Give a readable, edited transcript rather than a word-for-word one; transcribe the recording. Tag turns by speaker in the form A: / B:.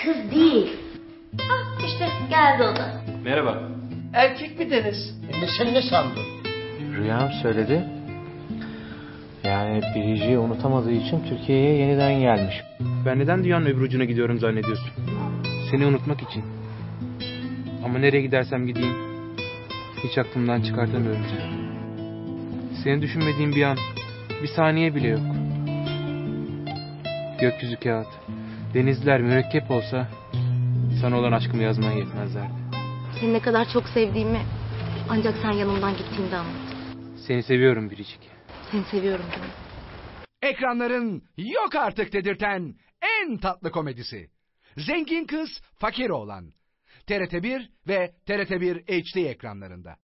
A: Kız değil. Ah işte geldi o da.
B: Merhaba.
C: Erkek mi Deniz?
D: Sen ne sandın?
B: Rüyam söyledi. Yani Biricik'i unutamadığı için Türkiye'ye yeniden gelmiş. Ben neden dünyanın öbür ucuna gidiyorum zannediyorsun? Seni unutmak için. Ama nereye gidersem gideyim hiç aklımdan çıkartamıyorum seni. Seni düşünmediğim bir an, bir saniye bile yok. Gökyüzü kağıt, denizler mürekkep olsa sana olan aşkımı yazmaya yetmezlerdi.
A: Seni ne kadar çok sevdiğimi ancak sen yanımdan gittiğinde anladım.
B: Seni seviyorum Biricik.
A: Seni seviyorum canım.
E: Ekranların yok artık dedirten en tatlı komedisi. Zengin Kız Fakir Oğlan. TRT1 ve TRT1 HD ekranlarında.